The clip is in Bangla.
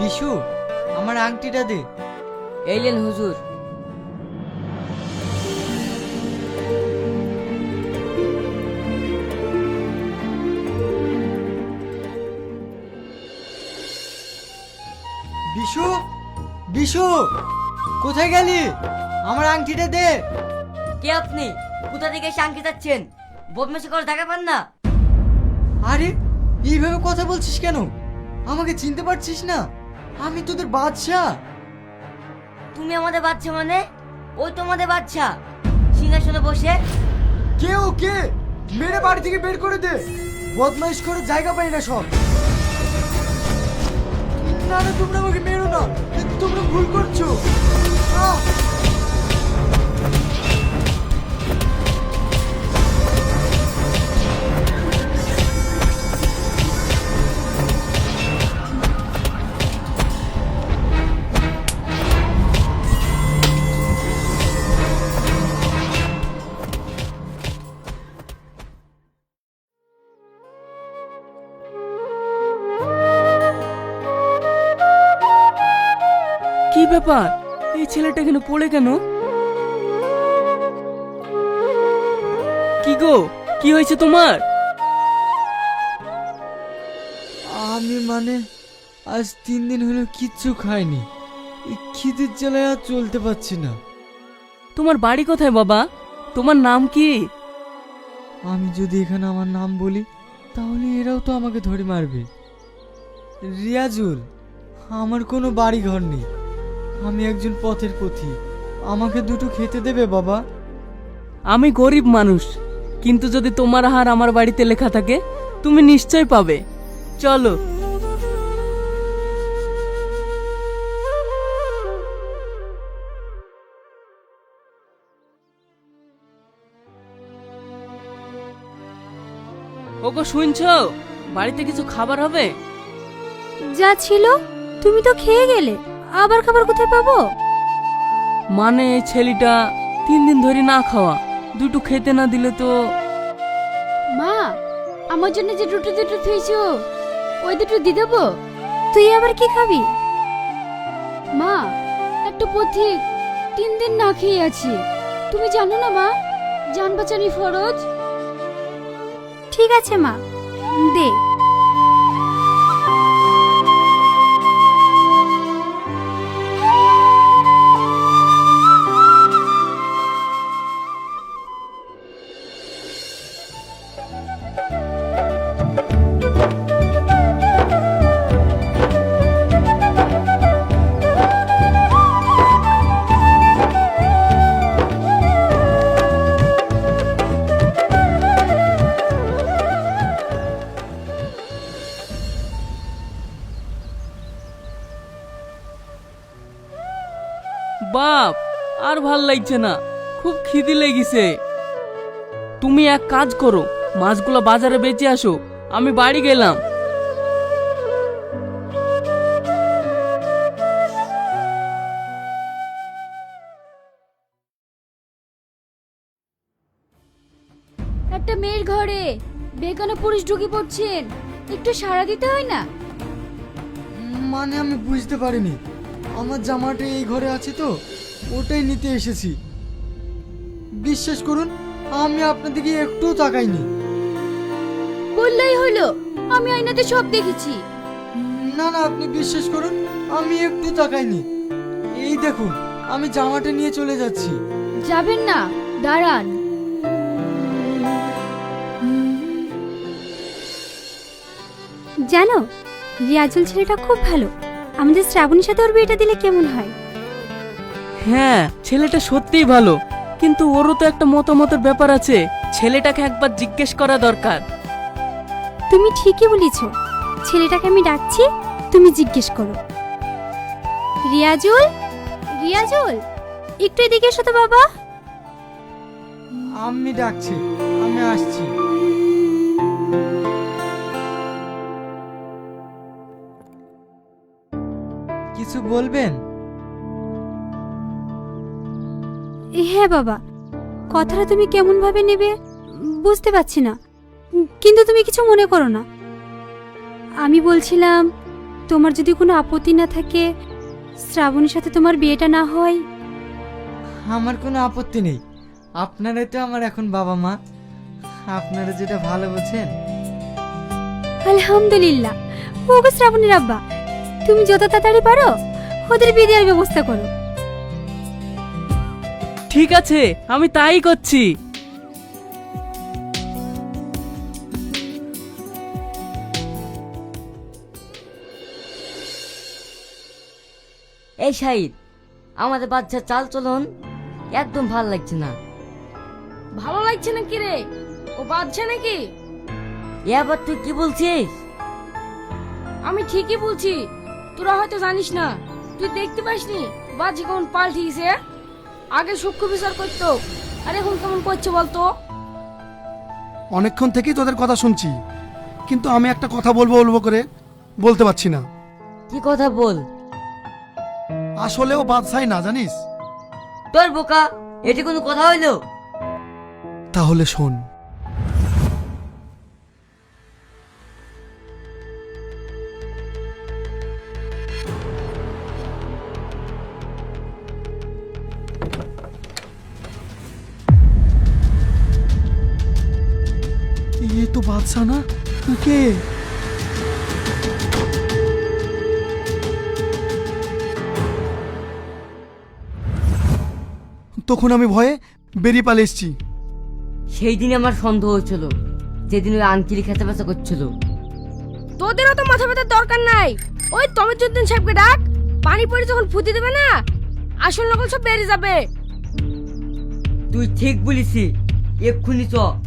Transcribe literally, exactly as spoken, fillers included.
বিশু, আমার আংটিটা দে। এই লেন হুজুর। বিশু, বিশু, কোথায় গেলি? আমার আংটিটা দে। কে আপনি? কোথা থেকে এসে আংটি যাচ্ছেন? বদমাশি করে দেখা পান না? আরে, এইভাবে কথা বলছিস কেন? আমাকে চিনতে পারছিস না? আমি তোদের বাদশা। তুমি আমাদের বাচ্চা মানে? ওই তোমাদের বাচ্চা সিংহাসনে বসে। কে ও কে? মেরে বাড়ি থেকে বের করে দে। বদমাইশ করে জায়গা পাই না সব। না না, তোমরা আমাকে মেরো না, তোমরা ভুল করছো। আহ! কি ব্যাপার? এই ছেলেটা এখানে পড়ে কেন? কি গো, কি হয়েছে তোমার? আমি মানে আজ তিন দিন হলো কিচ্ছু খাইনি। এই খিদের জ্বালায় আর চলতে পারছি না। তোমার বাড়ি কোথায় বাবা? তোমার নাম কি? আমি যদি এখানে আমার নাম বলি তাহলে এরাও তো আমাকে ধরে মারবে। রিয়াজুল, আমার কোনো বাড়ি ঘর নেই। আমি একজন পথের পথিক। আমাকে দুটো খেতে দেবে বাবা? আমি গরিব মানুষ, কিন্তু যদি তোমার হার আমার বাড়িতে লেখা থাকে তুমি নিশ্চয় পাবে। চলো। ওগো শুনছো? বাড়িতে কিছু খাবার হবে? যা ছিল তুমি তো খেয়ে গেলে, আবার খাবার কোথায় পাবো? মানে এই ছেলেটা তিন দিন ধরে না খাওয়া, দুটো খেতে না দিলে তো। মা, আমার জন্য যে দুটো দুটো থুইছো ওই দুটো দিয়ে দেবো। তুই আবার কি খাবি? মা, একটা পথিক তিন দিন না খেয়ে আছে, তুমি জানো না মা, জান বাঁচানি ফরজ। ঠিক আছে মা, দে। বাপ, আর ভাল লাগছে না, খুব খিদে লেগেছে। তুমি এক কাজ করো, মাছগুলো বাজারে বেচে আসো, আমি বাড়ি গেলাম। একটা মেয়ের ঘরে বেগানা পুরুষ ঢুকে পড়ছেন, একটু সাড়া দিতে হয় না? মানে আমি বুঝতে পারিনি। আমার জামাটা এই ঘরে আছে তো, ওটাই নিতে এসেছি। বিশ্বাস করুন, আমি আপনার দিকে একটুও তাকাইনি। বললেই হলো, আমি আয়নাতে সব দেখেছি। না না, আপনি বিশ্বাস করুন, আমি একটু তাকাইনি। এই দেখুন, আমি জামাটা নিয়ে চলে যাচ্ছি। যাবেন না, দাঁড়ান। জানো, রিয়াজুল ছেলেটা খুব ভালো। আমাদের শ্রাবণীর সাথে ওর বিয়েটা দিলে কেমন হয়? হ্যাঁ, ছেলেটা সত্যিই ভালো, কিন্তু ওরও তো একটা মতামতের ব্যাপার আছে। ছেলেটাকে একবার জিজ্ঞেস করা দরকার। তুমি ঠিকই বলেছ, ছেলেটাকে আমি ডাকছি, তুমি জিজ্ঞেস করো। রিয়াজুল, রিয়াজুল, একটু এদিকে এসো তো বাবা। আমি ডাকছি, আমি আসছি। কিছু বলবেন? হ্যাঁ বাবা, কথাটা তুমি কেমন ভাবে নেবে বুঝতে পারছি না, কিন্তু তুমি কিছু মনে করো না। আমি বলছিলাম তোমার যদি কোনো আপত্তি না থাকে শ্রাবণীর সাথে তোমার বিয়েটা না হয়। আমার কোনো আপত্তি নেই, আপনারাই তো আমার এখন বাবা মা, আপনারা যেটা ভালো বোঝেন। আলহামদুলিল্লাহ। ওগো শ্রাবণীর আব্বা, তুমি যত তাড়াতাড়ি পারো ওদের বিয়ে দেওয়ার ব্যবস্থা করো। ঠিক আছে, আমি তাই করছি। এই শাহিদ, আমাদের বাচ্চার চাল চলন একদম ভালো লাগছে না। ভালো লাগছে না কি রে? ও বাচ্চা নাকি? এবার তুই কি বলছিস? আমি ঠিকই বলছি, তোরা হয়তো জানিস না। তুই দেখতে পাসনি বাচ্চা কেমন পাল্টিয়েছে? আগে সূক্ষ্ম বিচার করতো, আর এখন কেমন করছে বলতো? অনেকক্ষণ থেকেই তোদের কথা শুনছি, কিন্তু আমি একটা কথা বলবো বলবো করে বলতে পারছি না। কি কথা বল। আসলেও বাদশাই না, জানিস? তোর বোকা, এটি কোনো কথা হইলো? তাহলে শোন। ये तो बादशाह ना কে? তখন আমি ভয়ে বেরিয়ে পালিয়ে এসেছি। সেই দিন আমার সন্দেহ হয়েছিল, যেদিন ওই আঙ্কিল খেতে বেচা করছিল। তোদেরও তো মাথা ব্যথার দরকার নাই। ওই তমিজুদ্দিন সাহেবকে ডাক, পানি পড়ে যখন ফুটি দেবে না, আসল নকল সব বেরিয়ে যাবে। তুই ঠিক বলিসি, এক্ষুনি চ।